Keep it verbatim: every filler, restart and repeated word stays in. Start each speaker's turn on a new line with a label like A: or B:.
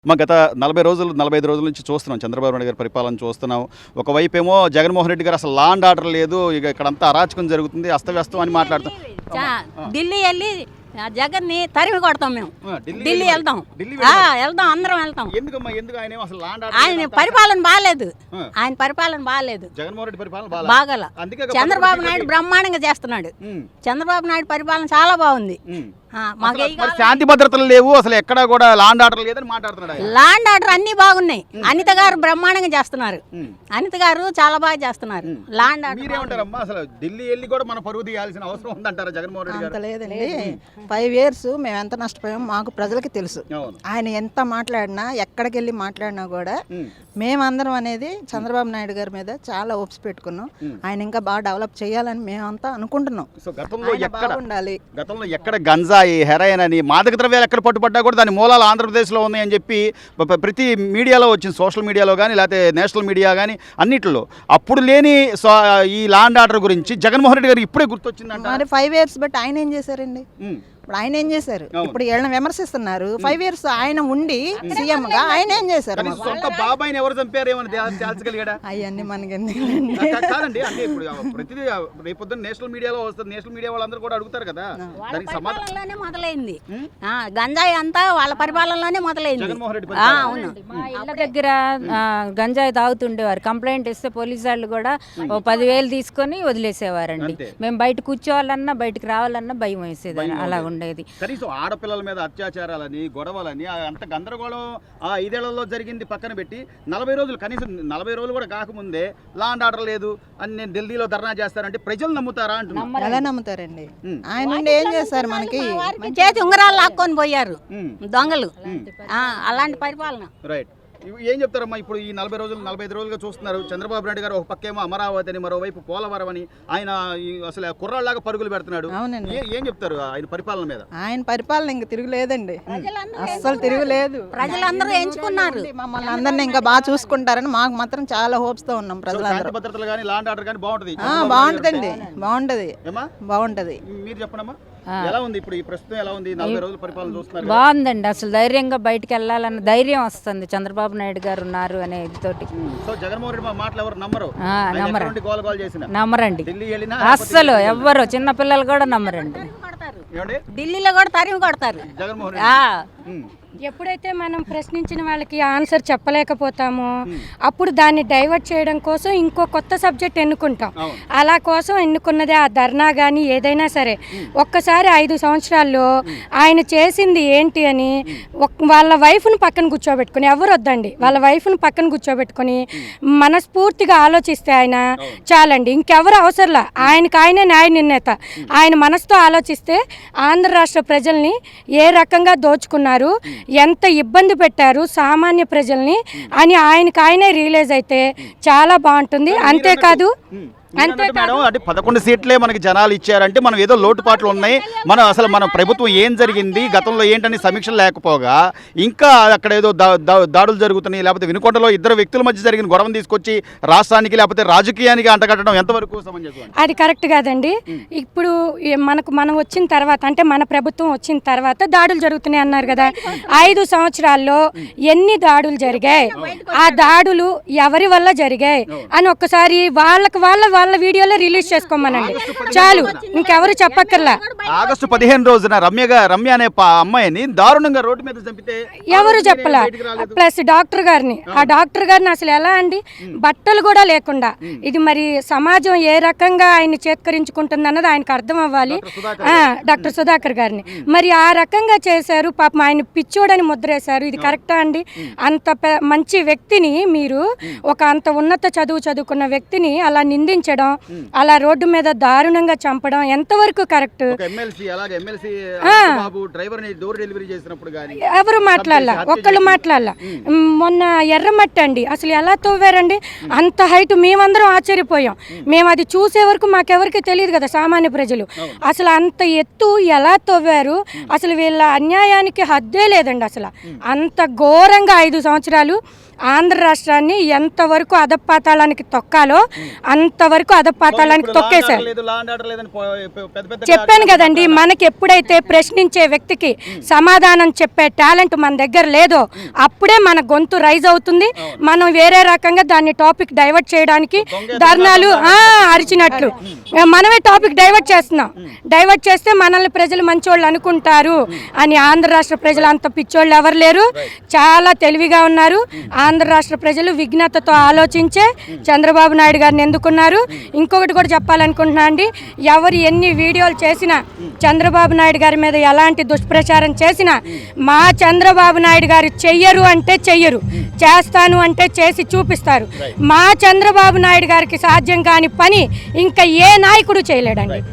A: మా గత నలభై రోజులు నలభై ఐదు రోజుల నుంచి చూస్తున్నాం చంద్రబాబు నాయుడు గారి పరిపాలన చూస్తున్నాం. ఒకవైపేమో జగన్మోహన్ రెడ్డి గారు అసలు లా అండ్ ఆర్డర్ లేదు, ఇక ఇక్కడంతా అరాచకం జరుగుతుంది, అస్తవ్యస్తం అని మాట్లాడుతాం.
B: ఢిల్లీ వెళ్ళి జగన్ని తరిమి కొడతాం మేము. ఢిల్లీ వెళ్తాం వెళ్తాం అందరం వెళ్తాం. ఆయన పరిపాలన బాగాలేదు, ఆయన పరిపాలన బాగాలేదు,
A: జగన్మోహన్ రెడ్డి పరిపాలన
B: బాగాల. చంద్రబాబు నాయుడు బ్రహ్మాండంగా చేస్తున్నాడు. చంద్రబాబు నాయుడు పరిపాలన చాలా బాగుంది.
A: శాంతి భద్రతలు లేవు, అసలు ఎక్కడ కూడా లాండ్ ఆర్డర్ లేదని మాట్లాడుతున్నాడు.
B: లాండ్ ఆర్డర్ అన్ని బాగున్నాయి. అనిత గారు బ్రహ్మాండంగా చేస్తున్నారు. అనిత గారు చాలా బాగా చేస్తున్నారు. లాండ్ ఆర్డర్
A: మీరేమంటారమ్మా? అసలు ఢిల్లీ వెళ్ళి కూడా మన పరువు తీయాల్సిన అవసరం ఉందంటారా జగన్మోహన్ రెడ్డి గారు?
C: లేదండి, ఫైవ్ ఇయర్స్ మేము ఎంత నష్టపోయామో మాకు ప్రజలకి తెలుసు. ఆయన ఎంత మాట్లాడినా ఎక్కడికి వెళ్ళి మాట్లాడినా కూడా మేమందరం అనేది చంద్రబాబు నాయుడు గారి మీద చాలా ఓప్స్ పెట్టుకున్నాం. ఆయన ఇంకా బాగా డెవలప్ చేయాలని మేమంతా అనుకుంటున్నాం.
A: ఉండాలి. గతంలో ఎక్కడ గంజాయి, హెరాయిన్ అని మాదక ద్రవ్యాలు ఎక్కడ పట్టుబడ్డా కూడా దాని మూలాలు ఆంధ్రప్రదేశ్లో ఉన్నాయని చెప్పి ప్రతి మీడియాలో వచ్చింది, సోషల్ మీడియాలో కానీ లేకపోతే నేషనల్ మీడియా కానీ అన్నిట్లో. అప్పుడు లేని ఈ లాండ్ ఆర్డర్ గురించి జగన్మోహన్ రెడ్డి గారు ఇప్పుడే గుర్తొచ్చిందంట.
C: మరి ఫైవ్ ఇయర్స్ బట్ ఆయన ఏం చేశారండి? ఇప్పుడు ఆయన ఏం చేశారు? ఇప్పుడు వీళ్ళని విమర్శిస్తున్నారు. ఫైవ్ ఇయర్స్ ఆయన ఉండి సీఎం గా ఆయన ఏం చేశారు?
A: సొంత బాబాయిని ఎవరు చంపారు
C: అవన్నీ మనకి
A: కాదండి. అంటే ఇప్పుడు ప్రతిదీ రేపొద్దున నేషనల్ మీడియాలో వస్తుంది, నేషనల్ మీడియా వాళ్ళందరూ కూడా అడుగుతారు కదా.
B: పరిపాలనలోనే మొదలైంది గంజాయి అంతా, వాళ్ళ పరిపాలనలోనే మొదలైంది.
D: అవును, మా ఇళ్ళ దగ్గర గంజాయి తాగుతుండేవారు. కంప్లైంట్ ఇస్తే పోలీసు వాళ్ళు కూడా ఓ పదివేలు తీసుకొని వదిలేసేవారండి. మేము బయట కూర్చోవాలన్నా బయటకు రావాలన్నా భయం వేసేది, అలా ఉండేది.
A: కనీసం ఆడపిల్లల మీద అత్యాచారాలని, గొడవలని అంత గందరగోళం ఆ ఐదేళ్లలో జరిగింది పక్కన పెట్టి నలభై రోజులు కనీసం నలభై రోజులు కూడా కాకముందే లాండ్ ఆర్డర్ లేదు అని నేను ఢిల్లీలో ధర్నా చేస్తారంటే ప్రజలు నమ్ముతారా అంటున్నారు.
C: ఎలా నమ్ముతారండి? ఆయన ఏం చేస్తారు? మనకి
B: చేతి ఉంగరాలు లాక్కొని పోయారు దొంగలు. అలాంటి పరిపాలన.
A: రైట్. ఏం చెప్తారమ్మా? ఇప్పుడు ఈ నలభై రోజులు నలభై ఐదు రోజులుగా చూస్తున్నారు చంద్రబాబు నాయుడు గారు ఒక పక్కేమో అమరావతి అని, మరోవైపు పోలవరం అని, ఆయన అసలు కుర్రాళ్ళలాగా పరుగులు పెడుతున్నాడు. ఏం చెప్తారు ఆయన పరిపాలన మీద?
C: ఆయన పరిపాలన ఇంకా తిరుగులేదండి, అస్సలు తిరుగులేదు.
B: ప్రజలందరూ ఎంచుకున్నారు
C: మమ్మల్ని అందరినీ ఇంకా బాగా చూసుకుంటారని మాకు మాత్రం చాలా హోప్స్ తో ఉన్నాం. ప్రజలందరూ
A: భద్రతలు కానీ లాండ్ ఆర్డర్ కానీ బాగుంటది
C: బాగుంటదండి బాగుంటది బాగుంటది
A: మీరు చెప్పండమ్మా, ఎలా ఉంది ఇప్పుడు ఈ ప్రస్తుతం? ఎలా ఉంది నలభై రోజుల పరిపాలన చూస్తున్నారు?
D: బాగుందండి. అసలు ధైర్యంగా బయటకు వెళ్ళాలన్న ధైర్యం వస్తుంది చంద్రబాబు నాయుడు గారు ఉన్నారు అనే తోటి.
A: సో జగన్మోహన్ రెడ్డి మాటలు ఎవరు నమ్మరు,
D: నమ్మరండి. అస్సలు ఎవ్వరు, చిన్న పిల్లలు కూడా నమ్మరండి.
B: ఢిల్లీలో కూడా తరిమి కొడతారు
A: జగన్మోహన్ రెడ్డి.
E: ఎప్పుడైతే మనం ప్రశ్నించిన వాళ్ళకి ఆన్సర్ చెప్పలేకపోతామో అప్పుడు దాన్ని డైవర్ట్ చేయడం కోసం ఇంకో కొత్త సబ్జెక్ట్ ఎన్నుకుంటాం. అలా కోసం ఎన్నుకున్నదే ఆ ధర్నా కానీ ఏదైనా సరే. ఒక్కసారి ఐదు సంవత్సరాల్లో ఆయన చేసింది ఏంటి అని వాళ్ళ వైఫ్ను పక్కన కూర్చోబెట్టుకుని, ఎవరు వద్దండి, వాళ్ళ వైఫ్ను పక్కన కూర్చోబెట్టుకుని మనస్ఫూర్తిగా ఆలోచిస్తే ఆయన చాలండి, ఇంకెవరు అవసరంలా. ఆయనకు ఆయనే న్యాయ నిర్ణేత. ఆయన మనసుతో ఆలోచిస్తే ఆంధ్ర రాష్ట్ర ప్రజల్ని ఏ రకంగా దోచుకున్నారు, ఎంత ఇబ్బంది పెట్టారు సామాన్య ప్రజల్ని అని ఆయనకు ఆయనే రియలైజ్ అయితే చాలా బాగుంటుంది. అంతేకాదు
A: మేడం అంటే పదకొండు సీట్లే మనకి జనాలు ఇచ్చారంటే మనం ఏదో లోటుపాట్లు ఉన్నాయి, మనం అసలు మన ప్రభుత్వం ఏం జరిగింది గతంలో ఏంటని సమీక్షలు లేకపోగా ఇంకా అక్కడ ఏదో దాడులు జరుగుతున్నాయి, లేకపోతే వినుకొండలో ఇద్దరు వ్యక్తుల మధ్య జరిగిన గొడవను తీసుకొచ్చి రాష్ట్రానికి లేకపోతే రాజకీయానికి అంటగట్టడం ఎంతవరకు సమంజసం?
E: అది కరెక్ట్ కాదండి. ఇప్పుడు మనకు మనం వచ్చిన తర్వాత అంటే మన ప్రభుత్వం వచ్చిన తర్వాత దాడులు జరుగుతున్నాయి అన్నారు కదా. ఐదు సంవత్సరాల్లో ఎన్ని దాడులు జరిగాయి, ఆ దాడులు ఎవరి వల్ల జరిగాయి అని ఒక్కసారి వాళ్ళకి వాళ్ళ వాళ్ళ వీడియోలో రిలీజ్ చేసుకోమనండి చాలు, ఇంకెవరు చెప్పక్కర్లా.
A: ఆగస్టు పదిహేను రోజున రమ్య రమ్య అనే అమ్మాయిని దారుణంగా రోడ్డు మీద చంపితే
E: ఎవరు చెప్పలా. ప్లస్ డాక్టర్ గారిని, ఆ డాక్టర్ గారిని అసలు ఎలా అండి, బట్టలు కూడా లేకుండా. ఇది మరి సమాజం ఏ రకంగా ఆయన చేత్కరించుకుంటుంది అన్నది ఆయనకు అర్థం అవ్వాలి. డాక్టర్ సుధాకర్ గారిని మరి ఆ రకంగా చేశారు. పాపం ఆయన పిచ్చోడని ముద్రేశారు. ఇది కరెక్టా అండి? అంత మంచి వ్యక్తిని మీరు, ఒక అంత ఉన్నత చదువు చదువుకున్న వ్యక్తిని అలా నిందించడం, అలా రోడ్డు మీద దారుణంగా చంపడం ఎంతవరకు కరెక్ట్? ఎవరు మాట్లాడాల, ఒక్కళ్ళు మాట్లాడాల. మొన్న ఎర్రమట్టి అండి, అసలు ఎలా తవ్వారండి అంత హైట్? మేమందరం ఆశ్చర్యపోయాం. మేము అది చూసే వరకు మాకెవరికి తెలియదు కదా సామాన్య ప్రజలు. అసలు అంత ఎత్తు ఎలా తవ్వారు? అసలు వీళ్ళ అన్యాయానికి హద్దే లేదండి. అసలు అంత ఘోరంగా ఐదు సంవత్సరాలు ఆంధ్ర రాష్ట్రాన్ని ఎంతవరకు అధపాతాళానికి తొక్కాలో అంతవరకు వరకు అధపాతాళానికి
A: ఇప్పుడు
E: తొక్కేశారు.
A: లేదు, లా అండ్ ఆర్డర్ లేదని పో- పెద్ద పెద్ద
E: చెప్పాను కదండి, మనకి ఎప్పుడైతే ప్రశ్నించే వ్యక్తికి సమాధానం చెప్పే టాలెంట్ మన దగ్గర లేదో అప్పుడే మన గొంతు రైజ్ అవుతుంది. మనం వేరే రకంగా దాన్ని టాపిక్ డైవర్ట్ చేయడానికి ధర్నాలు ఆ, అరిచినట్లు మనమే టాపిక్ డైవర్ట్ చేస్తున్నాం. డైవర్ట్ చేస్తే మనల్ని ప్రజలు మంచోళ్ళు అనుకుంటారు అని ఆంధ్ర రాష్ట్ర ప్రజలు అంత పిచ్చోళ్ళు ఎవరు లేరు, చాలా తెలివిగా ఉన్నారు. ఆంధ్ర రాష్ట్ర ప్రజలు విఘ్నతతో ఆలోచించే చంద్రబాబు నాయుడు గారిని ఎందుకున్నారు. ఇంకొకటి కూడా చెప్పాలనుకుంటున్నా అండి, ఎవరు ఎన్ని వీడియోలు చేసినా చంద్రబాబు నాయుడు గారి మీద ఎలాంటి దుష్ప్రచారం చేసినా మా చంద్రబాబు నాయుడు గారు చెయ్యరు అంటే చెయ్యరు, చేస్తాను అంటే చేసి చూపిస్తారు. మా చంద్రబాబు నాయుడు గారికి సాధ్యం కాని పని ఇంకా ఏ నాయకుడు చేయలేడండి.